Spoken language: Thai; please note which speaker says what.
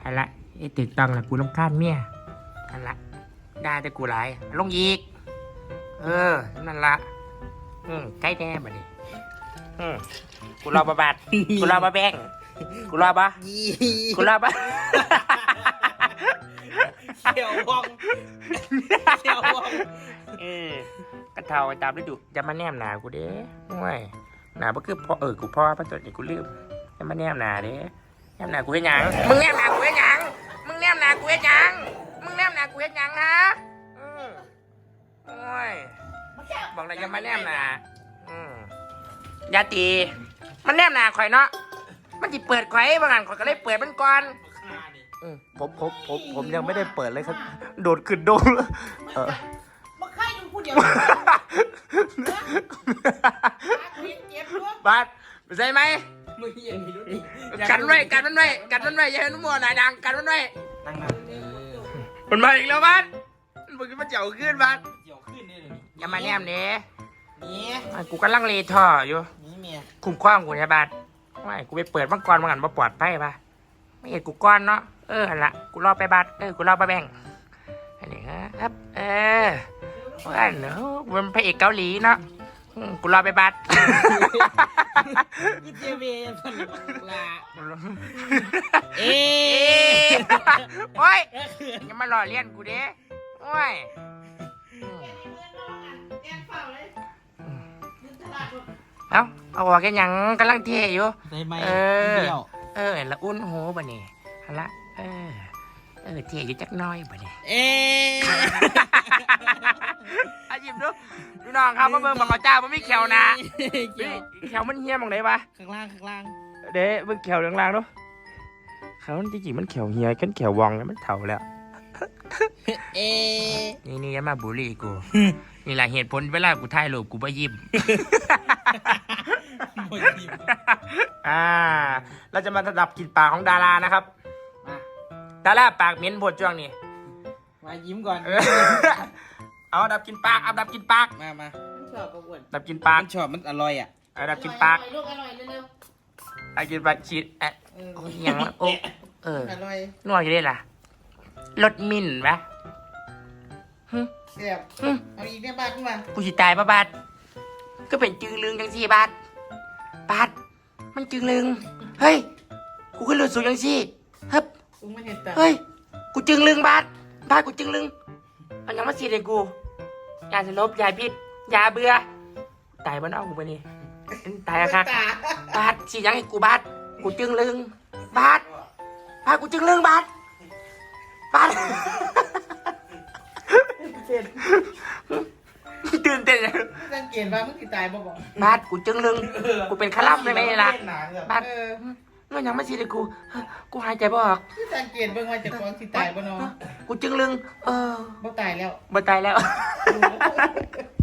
Speaker 1: อันละไอ้ตึกต้องละกูรำคาญเมียอันละได้แต่กูหลายลงอีกนั่นละใกล้แน่บัดนี้กูรอบาบาดกูรอบาแบงกูรอบะกูรอบะ
Speaker 2: เขียววองเขียววอง
Speaker 1: กระเทาตามฤดูจะมาแนมหนากูเด้ห่วยหนาบ่คือพ่อกูพ่อพระตัวนี้กูลืมจะมาแนมหนาเด้แนมหนากูเฮ็ดหยังมึงแนมหนากูเฮ็ดหยังมึงแนมหนากูเฮ็ดหยังมึงแนมหนากูเฮ็ดหยังนะโอ้ยบอกเลยจะมาแนมหนาอย่าตีมันแนมหนาข่อยเนาะมันจิเปิดข่อยบางอันข่อยก็เลยเปิดมันก่อนผมยังไม่ได้เปิดเลยครับโดดขึ้นโดด
Speaker 3: มาใครดูพูดเดียว
Speaker 1: บาดใช่ไหมกันไว้อย่าให้นุ่มมัวหนาดังกันมันไว้มันมาอีกแล้วบาดมันขึ้นมาเจียวขึ้นบาดอย่ามาแนมเนี้ยกูกำลังเลท่ออยู่คุ้มคว้างกูใช่บาดไม่กูไปเปิดมังกรมังอันมาปลอดภัยปะไม่เห็นกูก้อนเนาะหันละกูรอไปบาดกูรอไปแบ่งอันนี้ครับว่าเนาะมันพระเอกเกาหลีเนาะกูรอไปบาด
Speaker 2: กูเจเวพันละ
Speaker 1: โอ้ยอย่ามาหล่อเลี้ยนกูเด้โอ้ยเอาออกกันยังกำลังเทอยู่ละอุ่นโหบ่นี่ฮัลละเทอยู่จักน้อยบ่นี่อาจิมดูพี่น้องครับมาเบิ่งบักเจ้ามันไม่เขียวนะเขียวมันเหี้ยมองไหนวะ
Speaker 2: ข้างล่าง
Speaker 1: เด้เบิ่งเขียวล่างๆดูเขาจริงๆมันเขียวเหี้ยกันเขียววองแล้วมันเฒ่าแล้วนี่อย่ามาบูลลี่กูนี่แหละเหตุผลเวลากูถ่ายรูปกูบ่ยิ้มเราจะมาระดับกลิ่นปากของดารานะครับดาราปากเหม็นบดช่วงนี้
Speaker 2: มายิ้มก่อน
Speaker 1: เอาดับกลิ่นปากดับกลิ่นปาก
Speaker 2: มา
Speaker 3: ชอบก็อ้วน
Speaker 1: ดับกลิ่นปาก
Speaker 2: ชอบมันอร่อยอ่ะ
Speaker 1: ดับกลิ่นปาก
Speaker 3: ลูกอร่อยเร็ว
Speaker 1: ๆกินปากฉีดโอ้ยยังโอ้
Speaker 3: อร่อย
Speaker 1: นวดอยู่ได้ล่ะรสมิ่นปะ
Speaker 3: เสียบเอาอีกเนี่ยบาทขึ้นมา
Speaker 1: กูสิตายปะบาทก็เป็นจึงลึงจังสี่บาทมันจึงลึงเฮ้ยกูขึ้นรถสูงจังสี่เฮ้ยกูจึงลึงบาทกูจึงลึงเอายังมาสีเลยกูยาสลบยาพิษยาเบื่อตายบ้านเอากูไปนี่ตายอะครับบาทสียังให้กูบาทกูจึงลึงบาทกูจึงลึงบาทตื่นเต้น
Speaker 3: สังเกตว่ามึงติดตายบ่บอก
Speaker 1: บาทกูจึงลึงกูเป็นคารับได้ไหมล่ะบาทเงื่อนยังไม่ชีเลยกูหายใจบ่ออก
Speaker 3: สังเกตเบิ่งว่าจะฟ้องติดตายบ่เนาะ
Speaker 1: กูจึงลึง
Speaker 3: บ่ตายแล้ว
Speaker 1: บ่ตายแล้ว